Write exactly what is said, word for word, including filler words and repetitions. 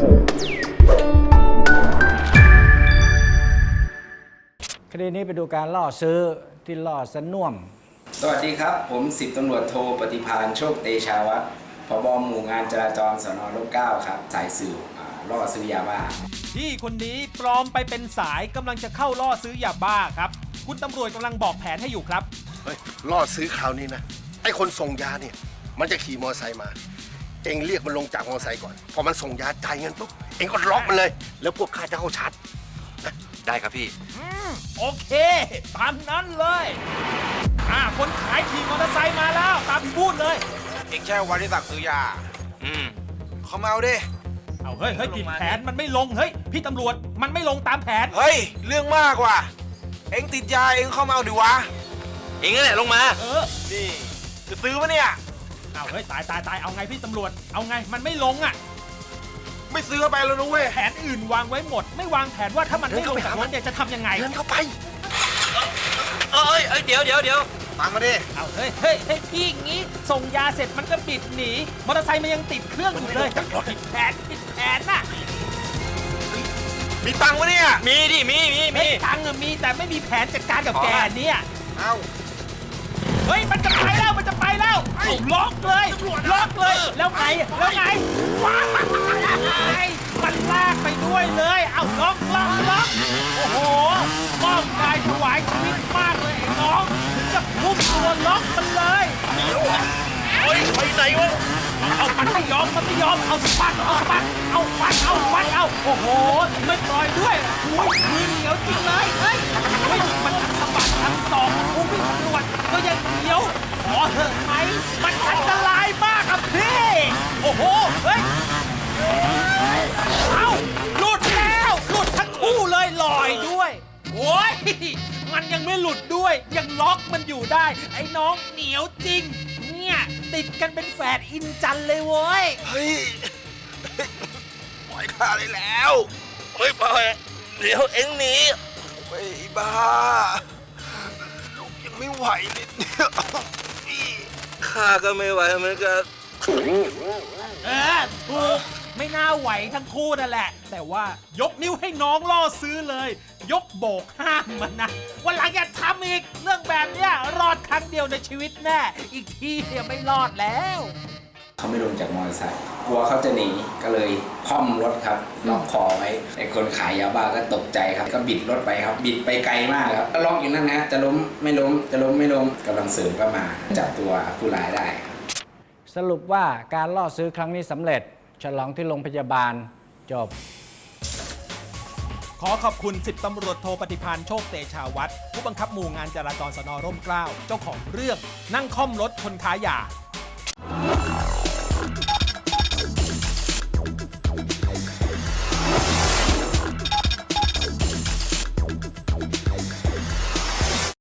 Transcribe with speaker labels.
Speaker 1: คดีนี้ไปดูการล่อซื้อที่ล่อสน่วม
Speaker 2: สวัสดีครับผมสิบตำรวจโทปฏิภาณโชคเตชาวัฒน์ผบ.หมู่งานจราจรสน.ร่มเกล้าครับสายสืบล่อซื้อยาบ้า
Speaker 3: พี่คนนี้ปลอมไปเป็นสายกำลังจะเข้าล่อซื้อยาบ้าครับคุณตำรวจกำลังบอกแผนให้อยู่ครับ
Speaker 4: เฮ้ยล่อซื้อคราวนี้นะไอ้คนส่งยาเนี่ยมันจะขี่มอเตอร์ไซค์มาเองเรียกมันลงจากมอเตอร์ไซค์ก่อนพอมันส่งยาจ่ายเงินปุ๊บเองก็ล็อกมันเลยแล้วพวกข้าจะเข้าชาร์จนะได้ครับพี่
Speaker 3: อืมโอเคตามนั้นเลยอ่าคนขายขี่มอเตอร์ไซค์มาแล้วตามที่พูดเลย
Speaker 5: เองแค่วันที่สั่งซื้อยาอืมเขามาเอาดิ
Speaker 3: เอาเฮ้ยเฮ้ยผิดแผนมันไม่ลงเฮ้ยพี่ตำรวจมันไม่ลงตามแผน
Speaker 5: เฮ้ยเรื่องมากว่ะเองติดยาเองเข้ามาเอาดิวะเองนั่นแหละลงมา
Speaker 3: เออ
Speaker 5: นี่จะซื้อปะเนี่ย
Speaker 3: เอาเฮ้ยตายตายตายเอาไงพี่ตำรวจเอาไงมันไม่ลงอ่ะ
Speaker 5: ไม่ซื้อไปแล้วนะเว้ย
Speaker 3: แผนอื่นวางไว้หมดไม่วางแผนว่าถ้ามันไม่ลงจากรถเนี่ยจะทำยังไง
Speaker 4: เดินเข้าไป
Speaker 5: เอ้ยเอ้ยเดี๋ยวเดี๋ยวเดี๋ยวตามมาดิ
Speaker 3: เอาเฮ้ยเฮ้ยเฮ้ยพี่งี้ส่งยาเสร็จมันก็บิดหนีมอเตอร์ไซค์มันยังติดเครื่องอยู่เลยผิดแผนผิดแผนน่ะ
Speaker 5: มีตังค์ปะเนี่ยมีดิมีมีมี
Speaker 3: ตังค์มีแต่ไม่มีแผนจัดการกับแกเนี่ย
Speaker 5: เอ้า
Speaker 3: เฮ้ยมันจะไปแล้วมันจะไปแล้วล็อกเลยล็อกเลยแล้วไงแล้วไงว้ายมันลากไปด้วยเลยเอาล็อกล็อกล็อกโอ้โหมอบกายถวายชีวิตมากเลยไอ้น้องถึงกับพุ่งตัวล็อกมันเลย
Speaker 5: เฮ้ยไปไหนวะ
Speaker 3: เอามันไม่ยอมมันไม่ยอมเอาสปัดเอาสปัดเอาฟันเอาฟันเอาโอ้โหไม่ปล่อยด้วยโอ้ยมือเหนียวจริงเลยเฮ้ยเฮ้ยมันทั้งสะบัดทั้งสองผู้วิ่งตำรวจก็ยังเหนียวขอเถอะไหมมันอันตรายมากครับพี่โอ้โหเฮ้ยเอาหลุดแล้วหลุดทั้งคู่เลยลอยด้วยโอ้ยมันยังไม่หลุดด้วยยังล็อกมันอยู่ได้ไอ้น้องเหนียวจริงเนี่ยติดกันเป็นแฝดอินจันเลยเว้ย
Speaker 5: เฮ้ยปล่อยข้าได้แล้วเฮ้ยปล่อยเดี๋ยวเอ็งหนีไอ้บ้าลูกยังไม่ไหวเลยเนี่ยข้าก็ไม่ไหวเหมือนกัน
Speaker 3: เออถูกไม่น่าไหวทั้งคู่นั่นแหละแต่ว่ายกนิ้วให้น้องล่อซื้อเลยยกโบกห้ามมันนะวันหลังอย่าทำอีกเรื่องแบบเนี้ยรอดครั้งเดียวในชีวิตแน่อีกทีเนี่ยไม่รอดแล้ว
Speaker 2: เขาไม่ลงจากมอเตอร์ไซค์กลัวเขาจะหนีก็เลยค่อมรถครับล็อกคอไว้ไอ้คนขายยาบ้าก็ตกใจครับก็บิดรถไปครับบิดไปไกลมากครับก็ล็อกอยู่นั่นนะจะล้มไม่ล้มจะล้มไม่ล้มกำลังเสริมก็มาจับตัวผู้ร้ายได้
Speaker 1: สรุปว่าการล่อซื้อครั้งนี้สำเร็จฉลองที่โรงพยาบาลจบ
Speaker 3: ขอขอบคุณสิบตำรวจโทปฏิภาณโชคเตชาวัฒน์ผู้บังคับหมู่งานจราจรสน.ร่มเกล้าเจ้าของเรื่องนั่งค่อมรถคนค้ายา